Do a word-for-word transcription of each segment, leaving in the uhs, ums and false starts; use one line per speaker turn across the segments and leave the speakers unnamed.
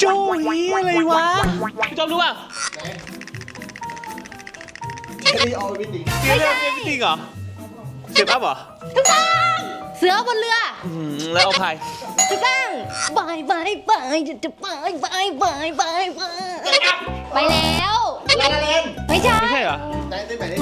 โจยีอะไรวะพี่จอมรู้ป่ะ
ไม่ได้เอาไปติง
เรียนเรื่องเป็นจริงเหรอเก็บอัพเหรอ
ถูกต้องเสือบนเรือ
อืมแล้วเอาใคร
ถูกต้องบายบายบายจะบายบายบายบายบายไปแล้ว
ลาลาเลน
ไม่ใช่
ไม่ใช่เหรอ
ได้ได้ไหม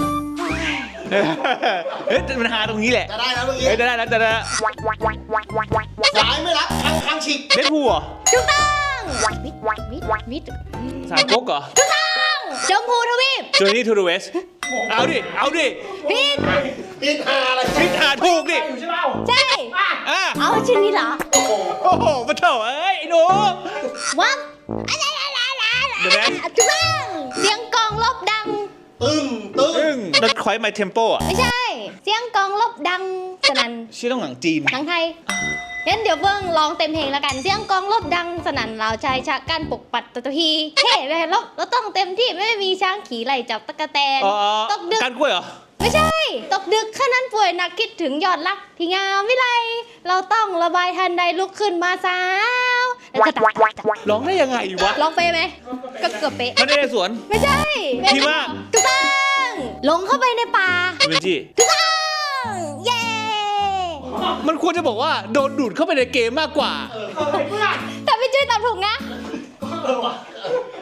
เฮ้ยมันหาตรงนี้แหละ
จะได้แล้วเมื่อกี้
เฮ้ยจะได้แล้วจะได้แล้ว
สายไม่รับคังคังฉีก
เดดพูลเหรอ
ถูกต้องวิทย์วิทย์วิทย์
สายก๊กเหรอ
ถูกต้องชมพูทวีป
จอร์นี่ทูเดอะเวสเอาดิเอาดิ
พิษ
ปิดหาอะไร
พิธาถูกดิ
ใช่
อ่ะ
เอาชื่อนี้เหรอ
โอ้โหมาเถอะเอ้ยไอ้หนู
วับอะไรอะไรอะไร
เดี๋ยวนะ
ถูกต้องเสียงกลองลบดัง
ตึ้งตึ้ง
อึ้งนัดคอยไมเทมโปอ่ะ
ไม่ใช่ เสียงกลองลบดังสนั่น
ชื่อต้องหนังจีน
หนังไทยงั้นเดี๋ยวเบิ้งลองเต็มเพลงแล้วกัน เสียงกลองลบดังสนั่นเราชายชะกันปกปัดตะตะพีเฮ้แม่ลบเราต้องเต็มที่ไม่มีช้างขี่ไล่จับตะกะแตน
อ๋อ
ตกดึก
การกล้วยเหรอ
ไม่ใช่ ตกดึกข้านั้นป่วยหนักคิดถึงยอดรักที่งามวิไลเราต้องระบายทันใดลุกขึ้นมาสาวแล้วก็ตัก
ร้องได้ยังไงวะ
ลองเป๊ะไหมก็เกือบเป๊ะ
มันได้ในสวน
ไม่ใช่
พี่มาก
ถูกต้องลงเข้าไปในป่า
เวนจี้
ถูกต้องเย้
มันควรจะบอกว่าโดนดูดเข้าไปในเกมมากกว่า
แต่พี่จุ้ยตอบถูกนะ
เออว่ะ